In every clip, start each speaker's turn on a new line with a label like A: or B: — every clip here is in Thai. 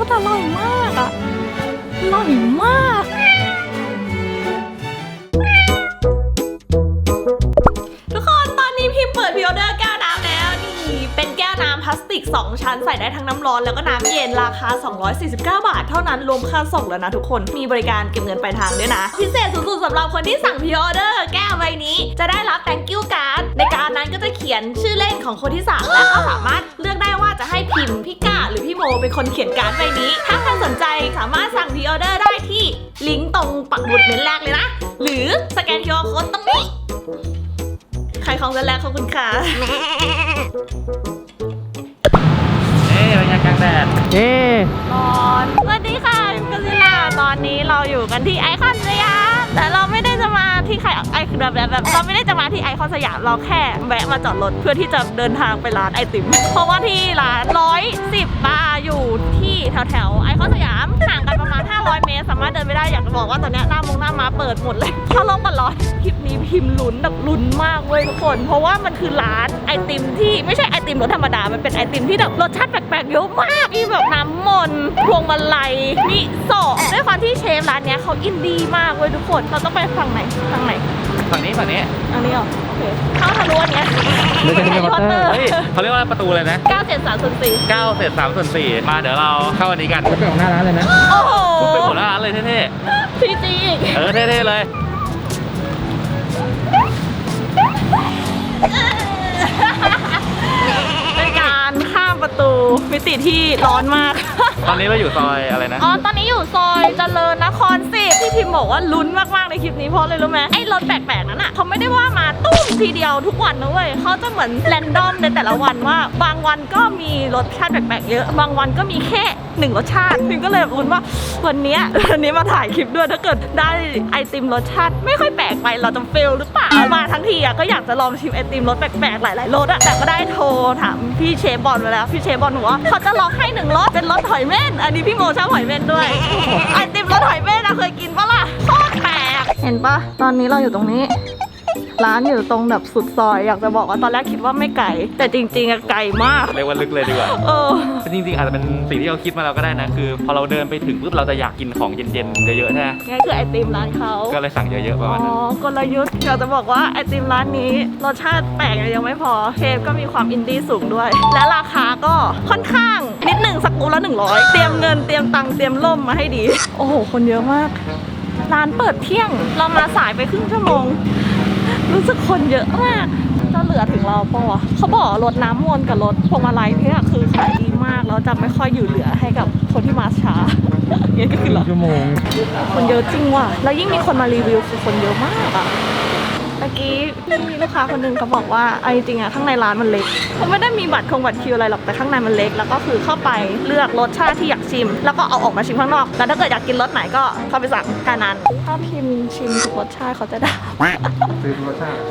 A: รู้แต่อร่อยมากอะอร่อยมากทุกคนตอนนี้พิมพ์เปิดพรีออเดอร์แก้วน้ำแล้วนี่เป็นแก้วน้ำพลาสติก2ชั้นใส่ได้ทั้งน้ำร้อนแล้วก็น้ำเย็นราคา249 บาทเท่านั้นรวมค่าส่งแล้วนะทุกคนมีบริการเก็บเงินปลายทางด้วยนะพิเศษสุดๆสำหรับคนที่สั่งพรีออเดอร์แก้วใบนี้จะได้รับ thank you card ในการนั้นก็จะเขียนชื่อเล่นของคนที่สั่งและก็สามารถเลือกได้ว่าจะให้พิมพ์พี่ก้าหรือพี่โมเป็นคนเขียนการ์ดใบนี้ถ้าใครสนใจสามารถสั่งพรีออเดอร์ได้ที่ลิงก์ตรงปักหมุดเมนแรกเลยนะหรือสแกน QR Code ตรงนี้ใครของเสร็จแล้วขอบคุณค่ะ
B: บรรยากาศแดด
A: ร้อนสวัสดีค่ะพิมกศิลาตอนนี้เราอยู่กันที่ไอคอนสยามแต่เราไม่ได้จะมาที่ใครแบบเราไม่ได้จะมาที่ไอคอนสยามเราแค่แวะมาจอดรถเพื่อที่จะเดินทางไปร้านไอติมเพราะว่าที่ร้าน110 บาทอยู่ที่แถวไอคอนสยามห่างกันประมาณ500 เมตรสามารถเดินไปได้อยากจะบอกว่าตอนนี้หน้ามาเปิดหมดเลยถ้าลงกันร้อนคลิปนี้พิมพ์ลุ้นแบบลุ้นมากเว้ยทุกคนเพราะว่ามันคือร้านไอติมที่ไม่ใช่ไอติมรสธรรมดามันเป็นไอติมที่แบบรสชาติแปลกๆเยอะมากมีแบบน้ำมนต์พวงมาลัยมิโซะด้วยความที่เชฟร้านนี้เขาอินดี้มากเว้ยทุกคนเราต้องไปฝั่งไหนอันนี้เหรอโอเคเข้าทะลุอันเนี้ยไม่ใช่แฮร์รี่พอตเตอร์
B: เขาเรียกว่าประตูเลยนะ
A: 9 เศษ
B: 3/4มาเดี๋ยวเราเข้าอันนี้กัน
C: จะไปของหน้าร้านเลยนะ
A: โอ้โห
B: ไปหมดหน้าร้านเลยเท่
A: ๆพีจี
B: เท่ๆเลย
A: เป็นการข้ามประตูมิติที่ร้อนมาก
B: ตอนนี้เราอยู่ซอยอะไรนะ
A: ตอนนี้อยู่ซอยเจริญนคร10ที่พิมบอกว่าลุ้นมากๆในคลิปนี้เพราะเลยรู้ไหมไอ้รถแปลกๆนั้นอ่ะเขาไม่ได้ว่ามาตุ้มทีเดียวทุกวันนะเว้ยเขาจะเหมือนแรนดอมในแต่ละวันว่าบางวันก็มีรสชาติแปลกๆเยอะบางวันก็มีแค่1รสชาติพิมก็เลยลุ้นว่าวันนี้มาถ่ายคลิปด้วยถ้าเกิดได้ไอติมรสชาติไม่ค่อยแปลกไปเราจะเฟลหรือเปล่ามาทั้งทีอ่ะก็อยากจะลองชิมไอติมรสแปลกๆหลายๆรสอ่ะแต่ก็ได้โทรถามพี่เชฟบอลไปแล้วพี่เชฟบอลบอกว่าเขาจะลองให้1รสเป็นรสหอยเม่นอันนี้พี่โมชอบหอยเม่นด้วยไอติมรสหอยเม่นเคยกินปะล่ะโคตรแปลกเห็นปะตอนนี้เราอยู่ตรงนี้ร้านอยู่ตรงแบบสุดซอยอยากจะบอกว่าตอนแรกคิดว่าไม่ไกลแต่จริงๆไกลมาก
B: เรียกว่าลึกเลยดีกว่าจริงๆอาจจะเป็นสิ่งที่เราคิดมาเราก็ได้นะคือพอเราเดินไปถึงปุ๊บเราจะอยากกินของเย็นๆเยอะๆใช่ไหม
A: นี่คือไอติมร้านเขา
B: ก็เลยสั่งเยอะๆประมาณนั้น
A: กลยุทธ์อยากจะบอกว่าไอติมร้านนี้รสชาติแปลกยังไม่พอเชฟก็มีความอินดี้สูงด้วยและราคาก็ค่อนข้างนิดหนึ่งสักกูละ100เตรียมเงินเตรียมตังค์เตรียมล่มมาให้ดีโอ้โหคนเยอะมากร้านเปิดเที่ยงเรามาสายไปครึ่งชั่วโมงรู้สึกคนเยอะมากจะเหลือถึงเราปะวะเขาบอกรถน้ำมนต์กับรถพวงมาลัยเนี่ยคือขายดีมากแล้วจะไม่ค่อยอยู่เหลือให้กับคนที่มาช้าเนี่ยก็คือหรอ
C: ชั่วโมง
A: คนเยอะจริงว่ะแล้วยิ่งมีคนมารีวิวคือคนเยอะมากอ่ะเมื่อกี้มีลูกค้าคนนึงเขาบอกว่าไอ้จริงอ่ะข้างในร้านมันเล็กเขาไม่ได้มีบัตรคิวอะไรหรอกแต่ข้างในมันเล็กแล้วก็คือเข้าไปเลือกรสชาติที่อยากชิมแล้วก็เอาออกมาชิมข้างนอกแล้วถ้าเกิดอยากกินรสไหนก็เข้าไปสั่งแค่นั้นถ้าพิมพ์ชิมทุกรสชาติเขาจะได้
C: ซื้อรสชาติ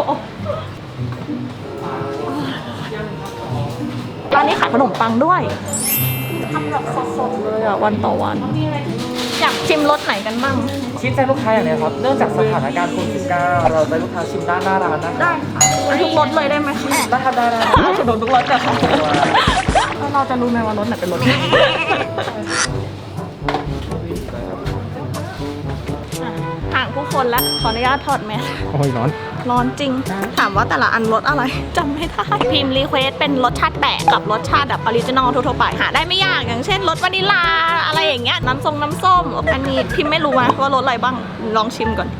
A: ร้านนี้ขายขนมปังด้วยทำแบบสดๆเลยอ่ะวันต่อวันอยากชิมรสไหนกันบ้าง
C: ชิมใจลูกค้าอย่างไรครับเนื่องจากสถานการณ์โควิด-19เราใจลูกค้าชิมด้านหน้าร้าน
A: ได้ค่ะทุกรสเลยได้ไหมคะ
C: ได้ครับได้
A: ขนมทุกรสเลยค่ะเราจะรู้ไหมว่ารสไหนเป็นรสห่างผู้คนแล้วขออนุญาตถอดแมส
C: โอ้ย
A: ร้อนจริงถามว่าแต่ละอันรสอะไรจำไม่ได้พิมพ์รีเควสเป็นรสชาติแปลกกับรสชาติแบบออริจินอลทั่วๆไปหาได้ไม่ยากอย่างเช่นรสวานิลลาอะไรอย่างเงี้ยน้ำส้มอันนี้พิมพ์ไม่รู้ว่ารสอะไรบ้างลองชิมก่อน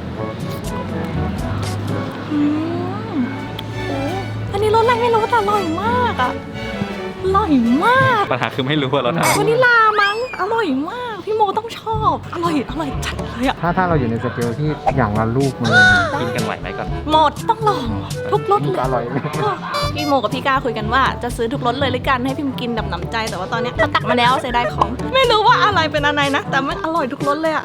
A: อันนี้รสอะไรไม่รู้แต่อร่อยมากอ่ะอร่อยมาก
B: ปัญหาคือไม่รู้ว่ารสอะไร
A: วานิลลามั้งอร่อยมากพี่โมต้องชอบอร่อยจัดเลยอะ
C: ถ้าเราอยู่ในสเกลที่อย่างละลูกมาเลย
B: กินกันไหวไหมก่อน
A: หมดต้องลองทุกรสเลย
C: อร่อย
A: พี่โมกับพี่ก้าคุยกันว่าจะซื้อทุกรสเลยหรือกันให้พิมกินแบบหนำใจแต่ว่าตอนนี้เขาตักมาแล้วเสียดายของไม่รู้ว่าอะไรเป็นอะไรนะแต่มันอร่อยทุกรสเลยอะ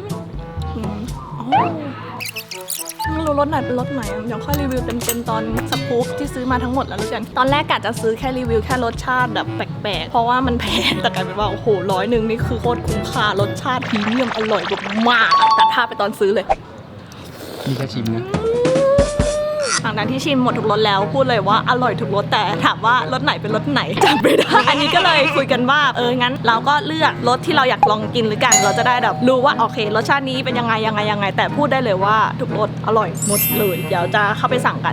A: ไม่รู้รสไหนเป็นรสไหนเดี๋ยวค่อยรีวิวเต็มๆตอนสกู๊ปที่ซื้อมาทั้งหมดแล้วรู้กันตอนแรกกะจะซื้อแค่รีวิวแค่รสชาติแบบแปลกๆเพราะว่ามันแพงแต่กลายเป็นว่าโอ้โห100นี่คือโคตรคุ้มค่ารสชาติพรีเมียมอร่อยมากแต่ถ้าไปตอนซื้อเลย
C: มีแค่ชิมนะ
A: หลังจากที่ชิมหมดทุกรสแล้วพูดเลยว่าอร่อยทุกรสแต่ถามว่ารสไหนเป็นรสไหนจำไม่ได้ อันนี้ก็เลยคุยกันว่างั้นเราก็เลือกรสที่เราอยากลองกินหรือกันเราจะได้แบบรู้ว่าโอเครสชาตินี้เป็นยังไงแต่พูดได้เลยว่าทุกรสอร่อยหมดเลยเดี๋ยวจะเข้าไปสั่งกัน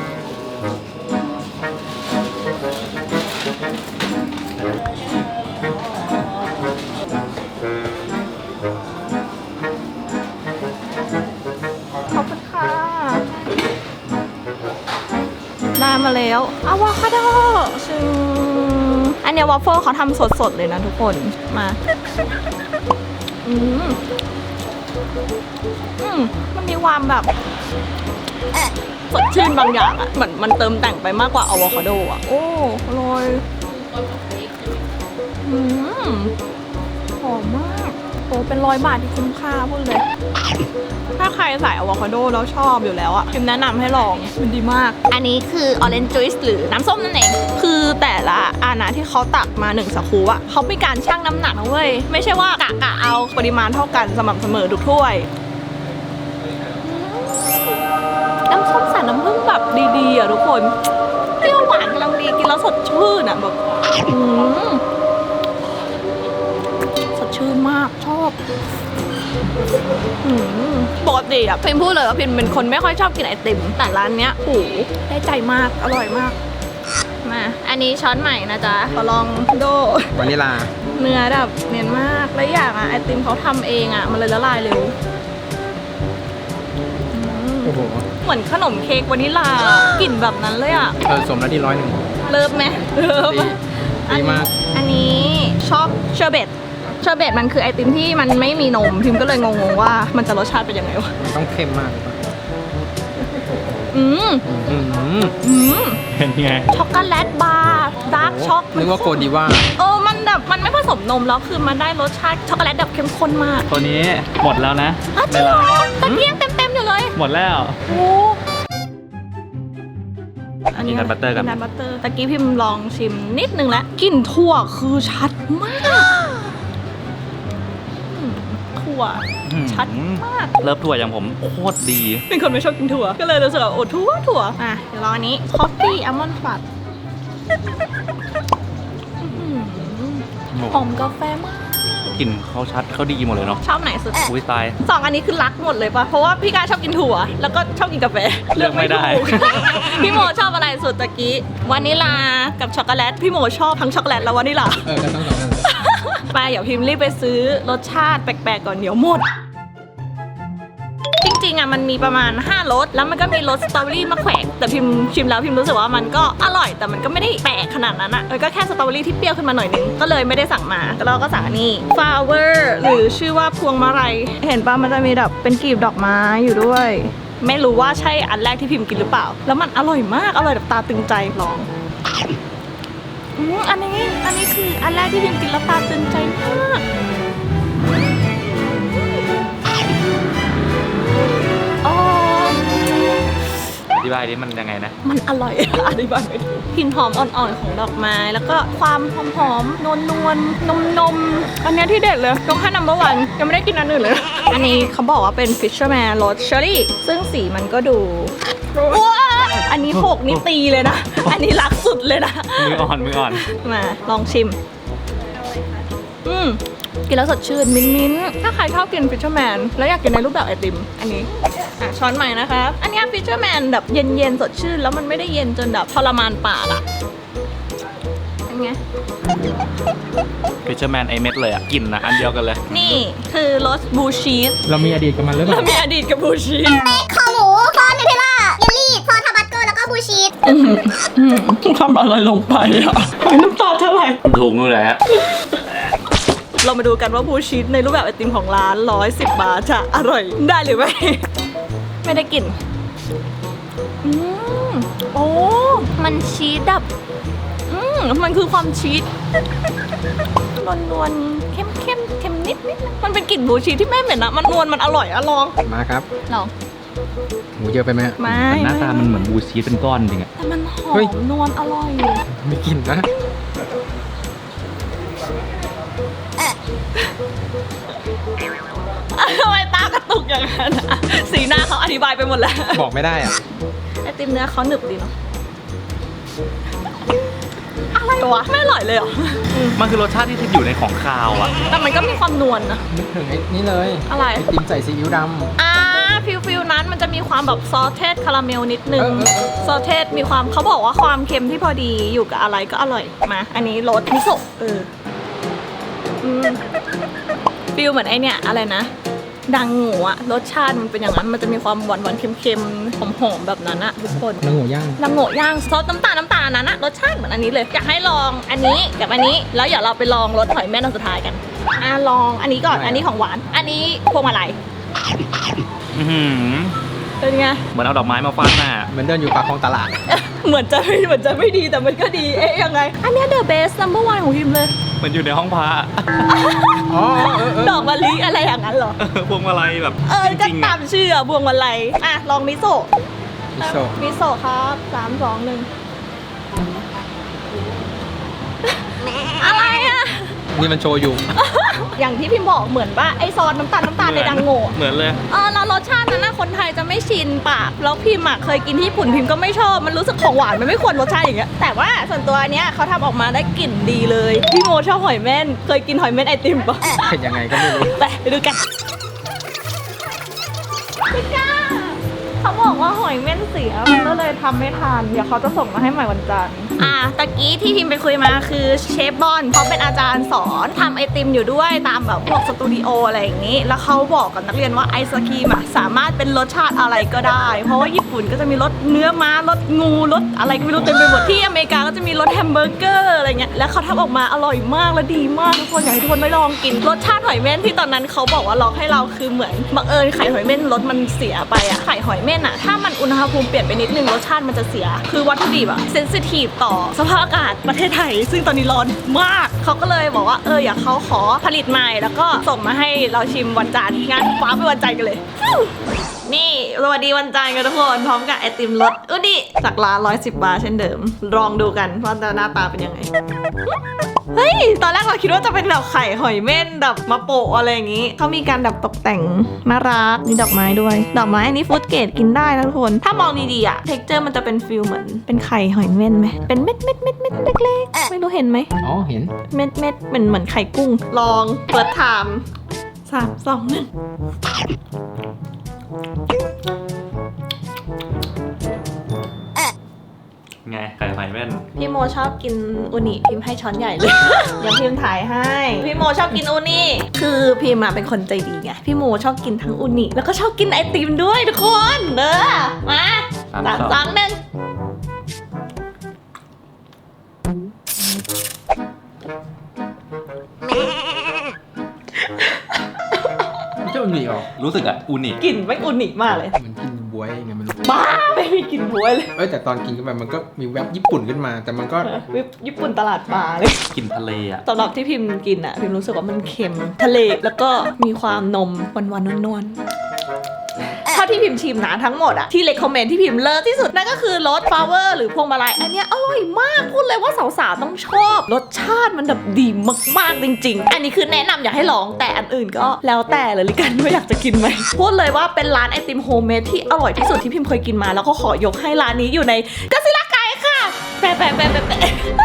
A: ขอบคุณค่ะได้มาแล้วอะโวคาโดซึ่งอันเนี้ยวอฟเฟิลเขาทำสดๆเลยนะทุกคนมามันมีความแบบสดชื่นบางอย่างอ่ะเหมือนมันเติมแต่งไปมากกว่าอะโวคาโดอ่ะโอ้อร่อยหอมมากโอ้เป็น100 บาทที่คุ้มค่าพูดเลยถ้าใครใส่อะโวคาโดแล้วชอบอยู่แล้วอ่ะพิมแนะนำให้ลองมันดีมากอันนี้คือ orange juice หรือน้ำส้มนั่นเองคือแต่ละอานะที่เขาตักมา1สกู๊ปอ่ะเขามีการชั่งน้ำหนักนะเว้ยไม่ใช่ว่ากะเอาปริมาณเท่ากันสม่ำเสมอทุกถ้วยน้ำส้มสายน้ำผึ้งแบบดีๆอ่ะทุกคนเปรี้ยวหวานกำลังดีกินแล้วสดชื่นอ่ะแบบสดชื่นมากชอบปกติอ่ะพิมพูดเลยว่าพิมเป็นคนไม่ค่อยชอบกินไอติมแต่ร้านเนี้ยโอ้ได้ใจมากอร่อยมากมาอันนี้ช้อนใหม่นะจ๊ะขอลองโด
C: วานิลา
A: เนื้อแบบเนียนมากและอย่างอ่ะไอติมเขาทำเองอ่ะมันเลยละลายเร็ว
C: โอ้โห
A: เหมือนขนมเค้กวานิลากลิ่นแบบนั้นเลยอ่ะ
C: สมแล้วที่101
A: เลิฟไหมเลิฟ
C: ดีมาก
A: อันนี้ชอบเชอร์เบตมันคือไอติมที่มันไม่มีนมพิมก็เลยงงๆว่ามันจะรสชาติเป็นยังไงวะ
C: ต้องเค็มมาก
B: เป็นไง
A: ช็อกโกแลตบาร์ดาร์กช็อก
C: นึกว่าโกดีว่า
A: มันแบบมันไม่ผสมนมแล้วคือมันได้รสชาติช็อกโกแลตแบบเข้มข้นมาก
B: ตัวนี้หมดแล้วนะ
A: จริงเหรอตะเกียงเต็มอยู่เลย
B: หมดแล้ว
A: โอ้
B: กินนัทบัตเตอร์กัน
A: นัทบัตเตอร์ตะกี้พิมลองชิมนิดนึงแล้วกลิ่นถั่วคือชัดมากถั่วชัดมาก
B: เลิฟถั่วอย่างผมโคตรดี
A: เป็นคนไม่ชอบกินถั่วก็เลยรู้สึกว่าโอ้ถั่วอ่ะเดี๋ยวลองอันนี้คอฟฟี่อัลมอนด์ฟัดหอมกาแฟมาก
B: กลิ่นเขาชัดเขาดีหมดเลยเนาะ
A: ชอบไหนสุด
B: อุ้ยตาย
A: สองอันนี้คือรักหมดเลยปะเพราะว่าพี่กาชอบกินถั่วแล้วก็ชอบกินกาแฟ
B: เลือกไม่ได้
A: ถูก พี่โมชอบอะไรสุดตะกี้วานิลากับช็อกโกแลตพี่โมชอบทั้งช็อกโกแลตและวานิลา
C: ก็ต้อง2 อัน
A: ไปเดี๋ยวพิมพ์รีบไปซื้อรสชาติแปลกๆก่อนเดี๋ยวหมด จริงๆอ่ะมันมีประมาณ5รสแล้วมันก็มีรสสตรอเบอรี่มะแขวกแต่พิมชิมแล้วพิมรู้สึกว่ามันก็อร่อยแต่มันก็ไม่ได้แปลกขนาดนั้นอ่ะมันก็แค่สตรอเบอรี่ที่เปรี้ยวขึ้นมาหน่อยนึงก็เลยไม่ได้สั่งมาแล้วเราก็สั่งอันนี้ flower หรือชื่อว่าพวงมะไรเห็นป่ะมันจะมีแบบเป็นกลีบดอกไม้อยู่ด้วย ไม่รู้ว่าใช่อันแรกที่พิมกินหรือเปล่าแล้วมันอร่อยมากอร่อยแบบตาตึงใจลองอันนี้คืออันแรกที่พิมกินแล้วตาตึงใจมาก
B: อธิบายดิมันยังไงนะ
A: มันอร่อย อธิบายไม่ถูกกลิ่นหอมอ่อนๆของดอกไม้แล้วก็ความหอมๆนวลๆนมอันนี้ที่เด็ดเลยต้องให้นัมเบอร์วันยังไม่ได้กินอันอื่นเลย อันนี้เขาบอกว่าเป็น Fisherman รสเชอร์รี่ซึ่งสีมันก็ดูว้าอันนี้โขกนี่ตีเลยนะ อันนี้รักสุดเลยนะ
B: มืออ่อน
A: มาลองชิมกินแล้วสดชื่นมิ้นถ้าใครชอบกิน Fisherman แล้วอยากกินในรูปแบบไอติมอันนี้ช้อนใหม่นะคะอันนี้ Fisherman แบบเย็นๆสดชื่นแล้วมันไม่ได้เย็นจนแบบทรมานปากอ่ะเป็นไง
B: ฟิชเชอร์แมนไอเม็ดเลยอ่ะกลิ่นนะอันเดียวกันเลย
A: นี่คือรสบูชีส
C: เรามีอดีตกับมันหรือเป
A: เรา
C: ล่า
A: มีอดีตกับบูชีส
D: คอหมูซอสนูเทลล่าเยลลี่ซอสทาบาสโกแล้วก็บูชีส
A: ทำอะไรลงไปอ่ะน้ำตาเท่าไหร่
B: ถูกนู่นแหละ
A: เรามาดูกันว่าบูชีสในรูปแบบไอติมของร้าน110 บาทจะอร่อยได้หรือไม่ ไม่ได้กลิ่นโอ้มันชีสแบบมันคือความชีสนวลๆเข้มเค็มนิดมันเป็นกลิ่นบูชีสที่ไม่เหม็นนะมันนวลมันอร่อยอะลอง
C: มาครับ
A: ลอง
C: หมูเยอะไปไหม
A: ไม่
B: หน้าตามันเหมือนบูชีสเป็นก้อนจริงอ่ะ
A: แต่มันหอ
C: เฮ้ย
A: มนวลอร่อย
C: ไม่กินนะ
A: ทำไมตากระตุกอย่างนั้นอะสีหน้าเขาอธิบายไปหมดแล้ว
C: บอกไม่ได้อ่ะ
A: ไอไอติมเนื้อเขาหนึบดีเนาะอะไรวะไม่อร่อยเลยเหรอ
B: มันคือรสชาติที่ทิพย์อยู่ในของคาวอ่ะ
A: แต่มันก็มีความนวลนะ
C: นึกถึงไอ้นี่เลย
A: อะไร
C: ไอติมใส่ซีอิ๊วดำ
A: ฟิลนั้นมันจะมีความแบบซอสเทสคาราเมลนิดนึง
C: เออ
A: ซอสเทสมีความเขาบอกว่าความเค็มที่พอดีอยู่กับอะไรก็อร่อยมาอันนี้รสมิโซะฟิลเหมือนไอเนี่ยอะไรนะดังงูอะรสชาติมันเป็นอย่างนั้นมันจะมีความหวานเค็มๆหอมๆแบบนั้นอะทุกคน
C: นางหมูย่าง
A: ดังโง่ย่างซอสน้ำตาลนั้นอะรสชาติเหมือนอันนี้เลยอยากให้ลองอันนี้กับอันนี้แล้วเดี๋ยวเราไปลองรสหอยแม่นอันสุดท้ายกันลองอันนี้ก่อนอันนี้ของหวานอันนี้พวงมาลัย
B: อื้อหือ
A: เป็นไง
B: เหมือนเอาดอกไม้มาฟาดหน้า
C: เหมือนเดินอยู่ปากคลองตลาด
A: เหมือนจะไม่ดีแต่มันก็ดียังไงอันเนี้ย the best number one ของพิมเลย
B: เหมือนอยู่ในห้องพระ
C: อ๋อเออ
A: ดอกมะลิอะไรอย่างนั้นเหรอ
B: พวงมาลัยแบบ
A: ก็
B: จริงๆ
A: ตา
B: อะ
A: มชื่ออะพวงมาลัยลองมิโซะ
C: มิโซะ
A: มิโซะครับ3 2 1อะไรอะ
C: นี่มันโชว์อยู่
A: อย่างที่พิมบอกเหมือนว่าไอซอสน้ำตาลในดังโง่
B: เหมือนเลย
A: แล้วรสชาตินั้นนะคนไทยจะไม่ชินปากแล้วพิมเคยกินที่ญี่ปุ่นพิมก็ไม่ชอบมันรู้สึกของหวานมันไม่ควรรสชาติอย่างเงี้ยแต่ว่าส่วนตัวเนี้ยเขาทำออกมาได้กลิ่นดีเลยพี่โมชอบหอยเม่นเคยกินหอยเม่นไอติมปะ
C: เป็นยังไงก็ไม่รู้
A: ไปดูกันพี่ก้าเขาบอกว่าหอยเม่นเสียมันก็เลยทำไม่ทันเดี๋ยวเขาจะส่งมาให้ใหม่วันจันทร์ตะกี้ที่พิมไปคุยมาคือเชฟบอนเขาเป็นอาจารย์สอนทำไอติมอยู่ด้วยตามแบบพวกสตูดิโออะไรอย่างนี้แล้วเขาบอกกับนักเรียนว่าไอศครีมสามารถเป็นรสชาติอะไรก็ได้เพราะว่าญี่ปุ่นก็จะมีรสเนื้อม้ารสงูรสอะไรก็ไม่รู้เต็มไปหมดที่อเมริกาก็จะมีรสแฮมเบอร์เกอร์อะไรเงี้ยแล้วเขาทำออกมาอร่อยมากและดีมากทุกคนอยากให้ทุกคนได้ลองกินรสชาติหอยเม่นที่ตอนนั้นเขาบอกว่าลองให้เราคือเหมือนบังเอิญไข่หอยเม่นรสมันเสียไปไข่หอยเม่นถ้ามันอุณหภูมิเปลี่ยนไปนิดนึงรสชาติมันจะเสียคือวัตถุดิบเซนซิทีฟต่อสภาพอากาศประเทศไทยซึ่งตอนนี้ร้อนมากเขาก็เลยบอกว่าอยากเขาขอผลิตใหม่แล้วก็ส่งมาให้เราชิมวันจันทร์งานฟ้าไปวันจันทร์กันเลยนี่สวัสดีวันจันทร์กันทุกคนพร้อมกับไอติมรสดิจากร้าน110 บาทเช่นเดิมลองดูกันว่าหน้าตาเป็นยังไงเฮ้ยตอนแรกเราคิดว่าจะเป็นแบบไข่หอยเม่นแบบมาโปะอะไรอย่างนี้เขามีการแบบตกแต่งน่ารักมีดอกไม้ด้วยดอกไม้อันนี้ฟู้ดเกรดกินได้นะทุกคนถ้ามองดีๆเท็กเจอร์มันจะเป็นฟิลเหมือนเป็นไข่หอยเม่นไหมเป็นเม็ดเล็กๆไม่รู้เห็นไหม
C: อ๋อเห็น
A: เม็ดเหมือนไข่กุ้งลองเปิดไทม์3 2 1
B: ไงไข่หอยแม่น
A: พี่โมชอบกินอูนิพิมพ์ให้ช้อนใหญ่เลย อย่างพิมพ์ถ่ายให้พี่โมชอบกินอูนิคือพิมพ์เป็นคนใจดีไงพี่โมชอบกินทั้งอูนิแล้วก็ชอบกินไอติมด้วยทุกคนเด้อมา3 2 1
C: ไม่ใช่อุนิหรอ
B: รู้สึกอูนิ
A: กลิ่นไม่อูนิมากเลย
C: เหมือนกินบวยไงไม่รู้
A: บ้าไม่มีกลิ่นบวยเลย
C: แต่ตอนกินเข้าไปมันก็มีแวบญี่ปุ่นขึ้นมา แต่มันก็
A: วิปญี่ปุ่นตลาดปลาเลย
B: กลิ่นทะเลอ่ะ
A: สำหรับที่พิมพ์กินพิมรู้สึกว่ามันเค็มทะเลแล้วก็มีความนมหวานๆนวลๆเท่าที่พิมพ์ชิมนะทั้งหมดที่เลคคอมเมนต์ที่พิมพ์เลิศที่สุดนั่นก็คือรสฟลาเวอร์หรือพวงมาลัยอันเนี้ยอร่อยมากพูดเลยว่าสาวๆต้องชอบรสชาติมันแบบดีมากๆจริงๆอันนี้คือแนะนำอยากให้ลองแต่อันอื่นก็แล้วแต่เลยละกันว่าอยากจะกินไหมพูดเลยว่าเป็นร้านไอติมโฮมเมดที่อร่อยที่สุดที่พิมพ์เคยกินมาแล้วก็ขอยกให้ร้านนี้อยู่ในกัสซิล่าไกด์ค่ะแปะ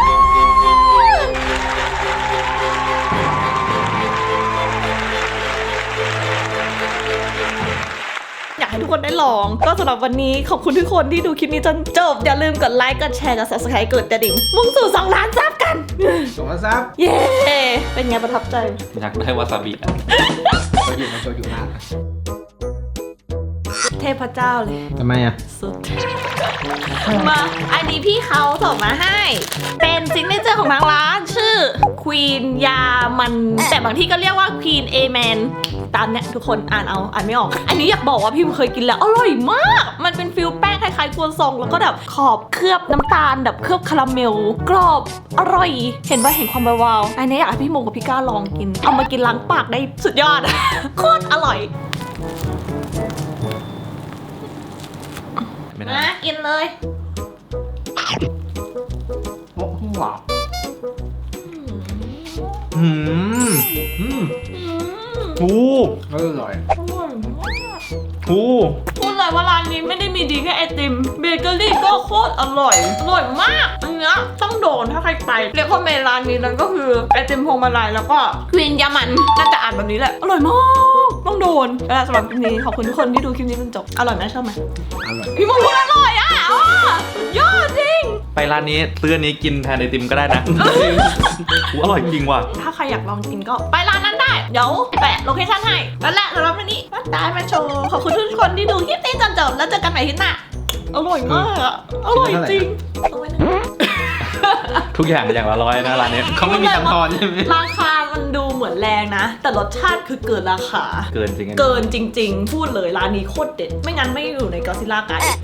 A: อยากให้ทุกคนได้ลองก็สำหรับวันนี้ขอบคุณทุกคนที่ดูคลิปนี้จนจบอย่าลืมกดไลค์กดแชร์กด subscribe กดกระดิ่งมุ่งสู่2 ล้านซับกัน
C: ส่งมาซับ
A: เย้เป็นไงประทับใจ
B: อยากได้วาซาบิอ่ะ
C: โชว์อยู่นะ
A: เทพเจ้าเลย
C: ทำไมอ่ะ
A: สุดมาอันนี้พี่เขาส่งมาให้ เป็นซิกเนเจอร์ของทางร้านชื่อ Queen ยามันแต่บางที่ก็เรียกว่า Queen Amen ตามเนี้ยทุกคนอ่านไม่ออก อันนี้อยากบอกว่าพิมเคยกินแล้วอร่อยมาก มันเป็นฟิลแป้งคล้ายๆครัวซองแล้วก็แบบขอบเคลือบน้ำตาลแบบเคลือบคาราเมลกรอบอร่อย เห็นความวาวๆอันนี้อยากให้พี่โมกับพี่ก้าลองกินเอามากินล้างปากได้สุดยอด โคตรอร่อย
B: ไม่ได้
A: มากินเลย
C: โอ้โหว้าว
B: โอ้
C: อร่อย
A: อร่อยมาก
B: หู
A: พูดเลยว่าร้านนี้ไม่ได้มีดีแค่ไอติมเบเกอรี่ก็โคตรอร่อยมากอันเนี้ยต้องโดนถ้าใครไปเรียกว่าเมนร้านนี้นั่นก็คือไอติมพวงมาลัยแล้วก็ควีนยามันน่าจะอ่านแบบนี้แหละอร่อยมากต้องโดนแล้วสำหรับคลิปนี้ขอบคุณทุกคนที่ดูคลิปนี้จนจบอร่อยไหมชอบไหม
C: อร่อย
A: พี่มงคลอร่อยอ่ะยอดจริง
B: ไปร้านนี้ซื้ออันนี้กินแทนไอติมก็ได้นะ หูอร่อยจริงว่ะ
A: ถ้าใครอยากลองกินก็ไปร้านนั้นได้เดี๋ยวแปะโลเคชั่นให้แล้วแหละสำหรับวันนี้มาตายมาโชว์ขอบคุณทุกคนที่ดูคลิปนี้จนจบแล้วเจอกันใหม่คลิปหน้าอร่อยมากอ่ะอร่อยจริงเอาไว้นะ
B: ทุกอย่างอย่างละร้อยนะร้านนี้
C: เขาไม่มีตังค์ทอนใช่ไหม
A: ราคามันดูเหมือนแรงนะ แต่รสชาติคือเกินราคา
B: เกินจริง
A: เกินจริง ๆ พูดเลยร้านนี้โคตรเด็ด ไม่งั้นไม่อยู่ในกอซิล่าไกด์